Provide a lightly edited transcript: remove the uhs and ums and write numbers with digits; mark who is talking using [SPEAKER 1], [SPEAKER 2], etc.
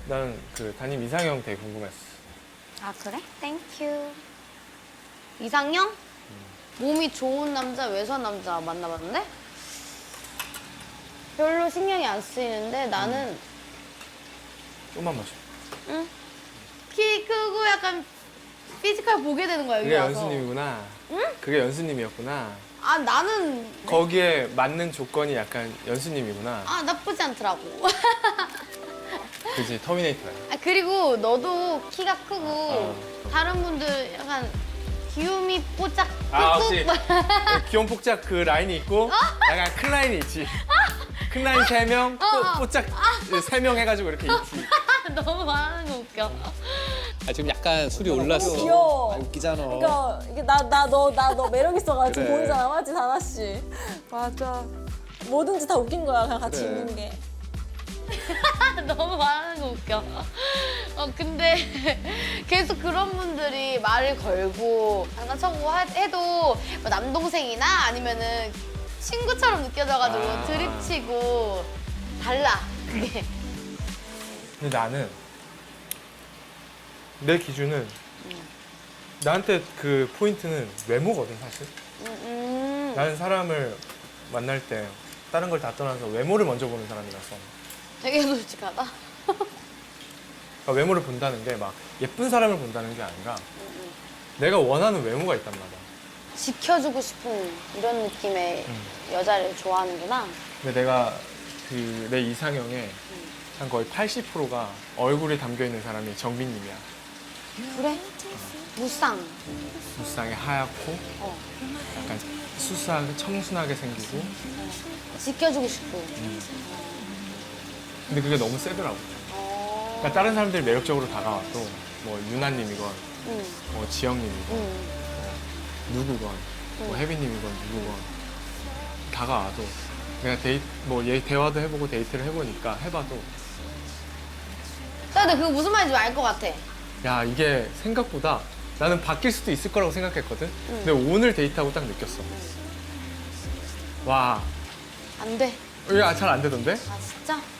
[SPEAKER 1] 나는 그 담임 이상형 되게 궁금했어.
[SPEAKER 2] 아 그래? 땡큐. 이상형? 몸이 좋은 남자, 외소한 남자 만나봤는데 별로 신경이 안 쓰이는데 나는
[SPEAKER 1] 좀만 마셔.
[SPEAKER 2] 응? 키 크고 약간 피지컬 보게 되는 거야 여기
[SPEAKER 1] 그게
[SPEAKER 2] 와서.
[SPEAKER 1] 연수님이구나.
[SPEAKER 2] 응?
[SPEAKER 1] 그게 연수님이었구나.
[SPEAKER 2] 아 나는
[SPEAKER 1] 거기에 맞는 조건이 약간 연수님이구나.
[SPEAKER 2] 아 나쁘지 않더라고.
[SPEAKER 1] 그지 터미네이터야.
[SPEAKER 2] 아 그리고 너도 키가 크고
[SPEAKER 1] 아.
[SPEAKER 2] 다른 분들 약간 귀요미 뽀짝
[SPEAKER 1] 아
[SPEAKER 2] 꾹꾹
[SPEAKER 1] 혹시 귀여운 폭작 그 라인이 있고 약간 큰 라인이 있지. 큰 라인 3명, 뽀짝 3명 해가지고 이렇게 있지.
[SPEAKER 2] 너무 말하는 거 웃겨.
[SPEAKER 3] 아, 지금 약간 술이 올랐어.
[SPEAKER 4] 귀여워.
[SPEAKER 3] 아, 웃기잖아.
[SPEAKER 4] 그러니까 이게 나 너 매력 있어가지고
[SPEAKER 3] 그래.
[SPEAKER 4] 보이잖아, 맞지 다나 씨. 맞아. 뭐든지 다 웃긴 거야, 그냥 같이
[SPEAKER 3] 그래.
[SPEAKER 4] 있는 게.
[SPEAKER 2] 너무 말하는 거 웃겨. 근데 계속 그런 분들이 말을 걸고 장난쳐고 해도 뭐 남동생이나 아니면은 친구처럼 느껴져가지고
[SPEAKER 1] 아.
[SPEAKER 2] 드립치고 달라 그게.
[SPEAKER 1] 근데 나는 내 기준은 나한테 그 포인트는 외모거든 사실. 나는 사람을 만날 때 다른 걸 다 떠나서 외모를 먼저 보는 사람이라서.
[SPEAKER 2] 되게 솔직하다.
[SPEAKER 1] 그러니까 외모를 본다는 게 막 예쁜 사람을 본다는 게 아니라 내가 원하는 외모가 있단 말이야.
[SPEAKER 2] 지켜주고 싶은 이런 느낌의 여자를 좋아하는구나.
[SPEAKER 1] 근데 내가 그 내 이상형에 한 거의 80%가 얼굴이 담겨 있는 사람이 정빈님이야.
[SPEAKER 2] 그래? 무쌍.
[SPEAKER 1] 무쌍에 하얗고
[SPEAKER 2] 어.
[SPEAKER 1] 약간 수수하게 청순하게 생기고.
[SPEAKER 2] 지켜주고 싶고.
[SPEAKER 1] 근데 그게 너무 세더라고. 그러니까 다른 사람들이 매력적으로 다가와도 뭐 유나님이건
[SPEAKER 2] 응.
[SPEAKER 1] 뭐 지영님이건
[SPEAKER 2] 응.
[SPEAKER 1] 누구건 뭐 혜빈님이건 누구건 다가와도 내가 뭐 얘 대화도 해보고 데이트를 해보니까 해봐도
[SPEAKER 2] 근데 그거 무슨 말인지 알 것 같아.
[SPEAKER 1] 야 이게 생각보다 나는 바뀔 수도 있을 거라고 생각했거든. 근데 오늘 데이트하고 딱 느꼈어. 와
[SPEAKER 2] 안 돼.
[SPEAKER 1] 이게 잘 안 되던데?
[SPEAKER 2] 아 진짜?